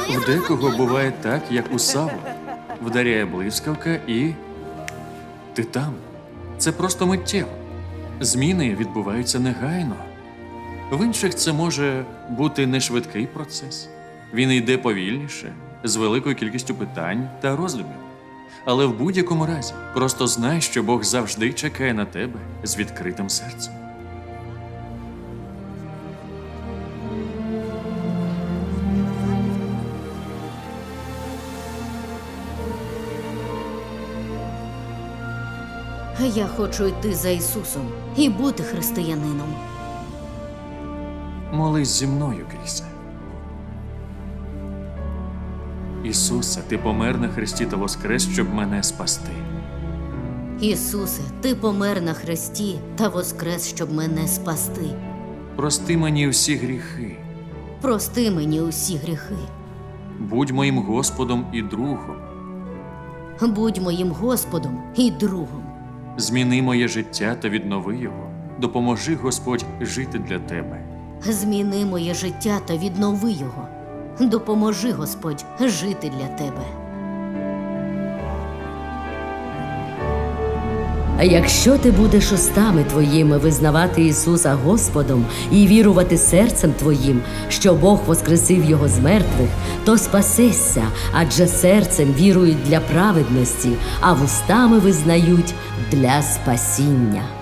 У декого буває так, як у Савла. Вдаряє блискавка і ти там. Це просто миттєво. Зміни відбуваються негайно. В інших це може бути не швидкий процес. Він йде повільніше, з великою кількістю питань та роздумів. Але в будь-якому разі просто знай, що Бог завжди чекає на тебе з відкритим серцем. Я хочу йти за Ісусом і бути християнином. Молись зі мною, Крісе. Ісусе, ти помер на хресті та воскрес, щоб мене спасти. Ісусе, ти помер на хресті та воскрес, щоб мене спасти. Прости мені всі гріхи. Прости мені усі гріхи. Будь моїм Господом і другом. Будь моїм Господом і другом. Зміни моє життя та віднови його. Допоможи, Господь, жити для тебе. Зміни моє життя та віднови його. Допоможи, Господь, жити для тебе. А якщо ти будеш устами твоїми визнавати Ісуса Господом і вірувати серцем твоїм, що Бог воскресив Його з мертвих, то спасешся, адже серцем вірують для праведності, а вустами визнають для спасіння.